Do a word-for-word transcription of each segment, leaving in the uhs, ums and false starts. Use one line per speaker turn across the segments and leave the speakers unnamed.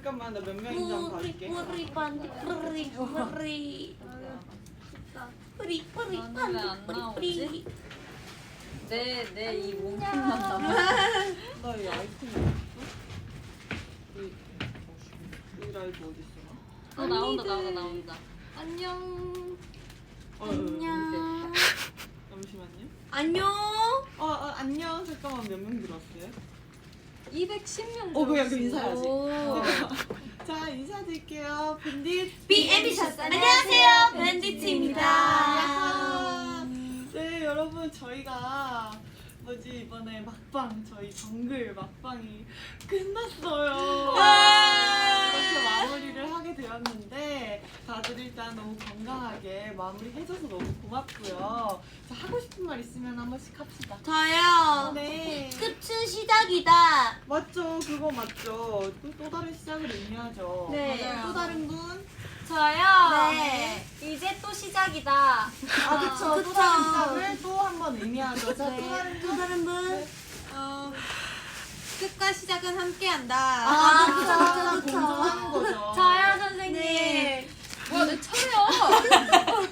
잠깐만 나 몇 명인지 한번 봐줄게.
뿌리 반디 뿌리 뿌리 뿌리 뿌리
나는
반디
왜안
뿌리
나오지?
뿌리.
내 내 이 몸통만 남아.
나이 아이템이 어딨어? 이, 이 라이브 어딨어?
어 나온다 나온다 나온다.
안녕.
어,
안녕.
잠시만요.
안녕.
어, 어 안녕. 잠깐만 몇 명 들어왔어요?
이백십 명.
어 그냥 그 인사해야지.
오.
자 인사드릴게요. 밴딧
비 앰비셔스. 안녕하세요, 밴디트입니다.
야하. 네 여러분 저희가 뭐지 이번에 막방 저희 정글 막방이 끝났어요. 이렇게 마무리를 하게 되었는데 다들 일단 너무 건강하게 마무리해줘서 너무 고맙고요. 자 하고 싶은 말 있으면 한 번씩 합시다.
저요.
네.
끝은 시작이다.
맞죠 그거 맞죠. 또, 또 다른 시작을 의미하죠.
네.
맞아요.
또 다른 분?
저요.
네.
이제 또 시작이다.
아 그쵸. 또
그쵸.
다른 시작을 또 한 번 의미하죠. 자, 또
네.
다른
또
분?
다른 분?
네.
어, 끝과 시작은 함께한다.
아, 그쵸,
항상
그쵸, 그쵸.
공존하는 거죠.
저요 선생님.
네.
뭐야 내 차례야.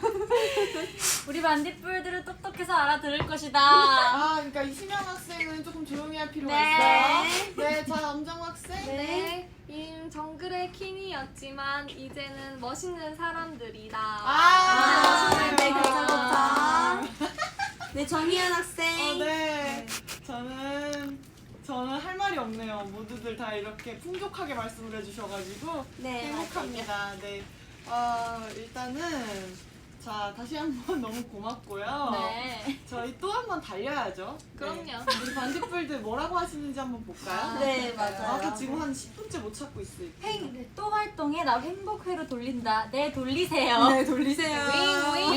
우리 반딧불들은 똑똑해서 알아들을 것이다.
아, 그러니까 이시명 학생은 조금 조용히 할 필요가
네.
있어요. 네, 자, 엄정 학생.
네. 임 정글의 킹이었지만 이제는 멋있는 사람들이다.
아,
아, 네, 그쵸,
아.
그쵸. 네, 정희연 학생.
어, 네. 저는 저는 할 말이 없네요. 모두들 다 이렇게 풍족하게 말씀을 해주셔가지고
네,
행복합니다. 네. 아, 일단은 자 다시 한번 너무 고맙고요.
네.
저희 또 한 번 달려야죠.
그럼요.
네. 우리 반딧불들 뭐라고 하시는지 한번 볼까요?
네, 맞아요.
아까 지금 한 십 분째 못 찾고 있어요.
행, 또 활동해. 나 행복회로 돌린다. 네, 돌리세요.
네, 돌리세요.
윙,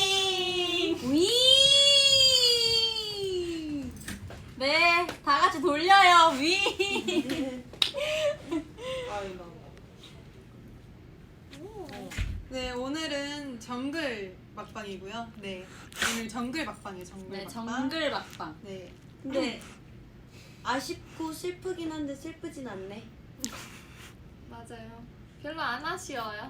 윙.
위.
네, 다 같이 돌려요. 위.
아이 나.
네, 오늘은 정글 막방이고요. 네, 오늘 정글 막방이에요. 정글
네
막방.
정글 막방.
네,
근데 아쉽고 슬프긴 한데 슬프진 않네.
맞아요. 별로 안 아쉬워요.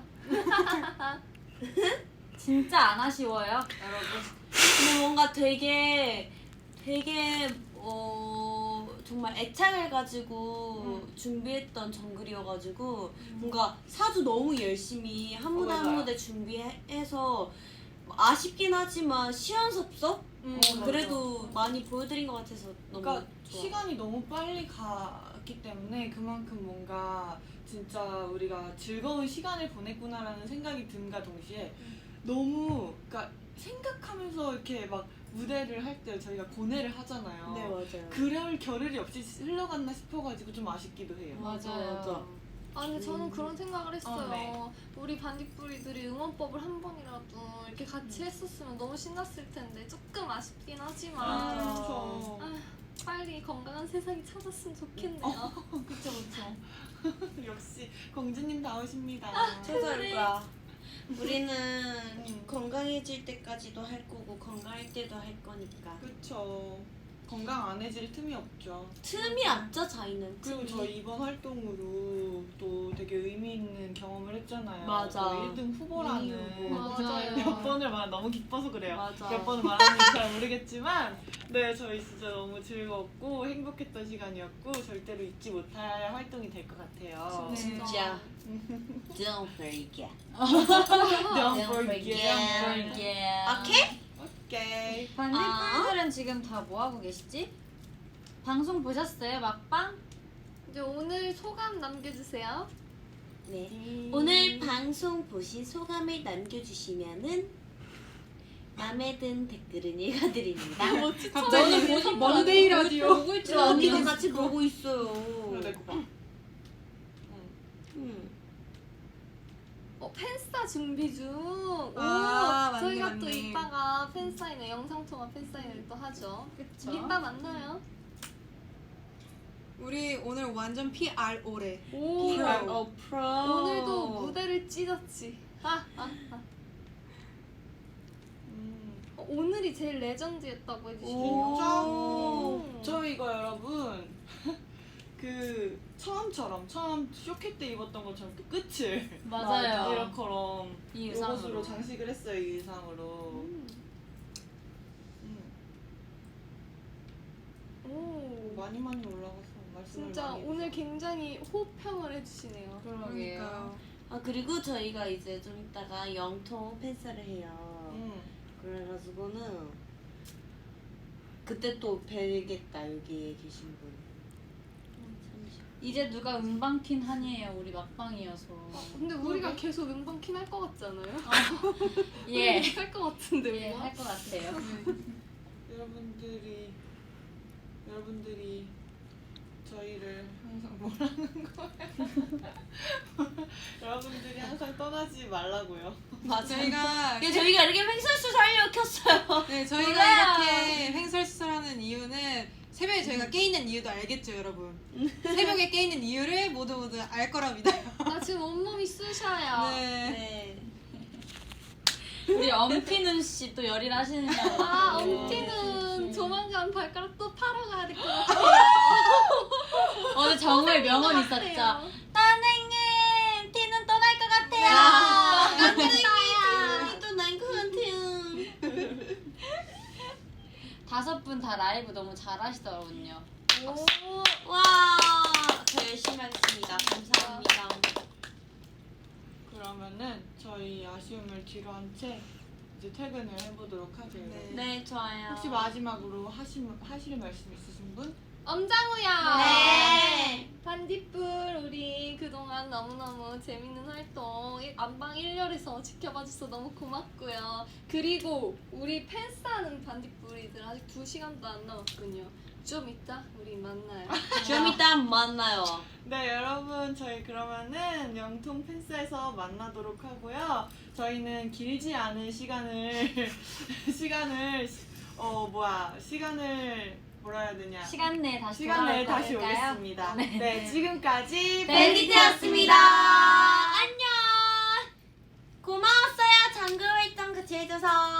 진짜 안 아쉬워요, 여러분.
근데 뭔가 되게 되게 어 정말 애착을 가지고 준비했던 정글이어가지고 뭔가 사주 너무 열심히 한 무대 한
맞아요.
무대 준비해서 아쉽긴 하지만 시원섭섭
음,
어,
그래도 많이 보여드린 것 같아서 너무
그러니까
좋아.
시간이 너무 빨리 갔기 때문에 그만큼 뭔가 진짜 우리가 즐거운 시간을 보냈구나라는 생각이 든가 동시에 너무 그러니까 생각하면서 이렇게 막 무대를 할 때 저희가 고뇌를 하잖아요.
네 맞아요.
그럴 겨를이 없이 흘러갔나 싶어가지고 좀 아쉽기도 해요.
맞아 맞아.
아 근데 저는 그런 생각을 했어요.
어, 네.
우리 반딧불이들이 응원법을 한 번이라도 이렇게 같이 했었으면 너무 신났을 텐데 조금 아쉽긴 하지만
아,
아,
그렇죠.
빨리 건강한 세상이 찾았으면 좋겠네요.
어, 그쵸 그쵸. 역시 공주님 다우십니다.
최선일 거야. 우리는
음.
건강해질 때까지도 할 거고 건강할 때도 할 거니까.
그쵸. 건강 안 해질 틈이 없죠.
틈이 없죠 저희는.
그리고
틈이.
저희 이번 활동으로 또 되게 의미 있는 경험을 했잖아요.
맞아.
또 일 등 후보라는
맞아요.
몇 번을 말 너무 기뻐서 그래요.
맞아.
몇 번을 말하는지 잘 모르겠지만 네 저희 진짜 너무 즐겁고 행복했던 시간이었고 절대로 잊지 못할 활동이 될 것 같아요.
진짜. Don't forget.
Don't
Don't
forget.
forget.
오케이?
오케이.
반딧불들은 지금 다 뭐 하고 계시지? 방송 보셨어요, 막방?
이제 오늘 소감 남겨주세요.
네.
음.
오늘 방송 보신 소감을 남겨주시면은 마음에 든 댓글은 읽어드립니다.
갑자기 먼데이 라디오.
보고 있지
저 언니가 같이 보고 있어요.
그래 내거 봐.
음.
어, 팬싸 준비 중. 오,
아, 맞네,
저희가
맞네.
또 이따가 팬사인회, 영상통화 팬사인회를 또 하죠.
그쵸?
이따 만나요.
우리 오늘 완전 피알오래.
오,
프로. 프로.
오늘도 무대를 찢었지. 아, 아, 아.
음.
어, 오늘이 제일 레전드였다고 해주시네요.
진짜?
오.
저 이거 여러분 그 처음처럼 처음 쇼케 때 입었던 것처럼 또 끝을
맞아요.
이렇게럼
이
이것으로
의상으로.
장식을 했어요. 이 의상으로.
음.
음.
오.
많이 많이 올라가서 말씀을
진짜
많이
오늘
해주셔서.
굉장히 호평을 해주시네요.
그러니까요.
아 그리고 저희가 이제 좀 이따가 영통 팬사를 해요.
음.
그래가지고는 그때 또 뵈겠다 여기에 계신 분. 음, 잠시.
이제 누가 음방킨 한이에요. 우리 막방이어서.
근데 우리가 계속 음방킨 할 것 같지 않아요?
예.
할 것 같은데
예,
뭔가?
할 것 같아요.
여러분들이 여러분들이 저희를 항상 뭐라는 거예요? 여러분들이 항상 떠나지 말라고요.
맞아요.
저희가
예, 저희가 이렇게 횡설수설하려 켰어요.
네, 저희가
몰라요.
이렇게 횡설수설하는 이유는 새벽에 저희가 깨 있는 이유도 알겠죠, 여러분. 새벽에 깨 있는 이유를 모두 모두 알 거라 믿어요.
나 지금 온몸이 쑤셔요.
네.
네.
우리 엄티눈 씨 또 열일하시느냐고.
아,
네.
엄티는 조만간 발가락 또 파러 가야 될 것 같아요.
오늘 정말 명언 있었죠.
같아요.
선생님, 티는 떠날 것
아,
같아요.
깜짝이야. 또 난 그한테요.
다섯 분 다 라이브 너무 잘하시더군요.
오,
와, 저 열심히 하겠습니다. 감사합니다.
그러면은 저희 아쉬움을 뒤로 한 채 이제 퇴근을 해보도록 하죠.
네.
네, 좋아요.
혹시 마지막으로 하시, 하실 말씀 있으신 분?
엄장우야.
네.
반딧불 우리 그동안 너무너무 재밌는 활동 일- 안방 일 열에서 지켜봐줘서 너무 고맙고요. 그리고 우리 팬싸는 반딧불이들 아직 두 시간도 안 남았군요. 좀 이따 우리 만나요.
좀 이따 만나요.
네, 여러분 저희 그러면은 영통 팬스에서 만나도록 하고요. 저희는 길지 않은 시간을 시간을 어 뭐야 시간을 뭐라 해야 되냐
시간 내에 다시
시간 내에
돌아올
다시
거니까요.
오겠습니다.
네.
네, 지금까지
밴디트였습니다. 안녕. 고마웠어요. 장글 활동 같이 해줘서.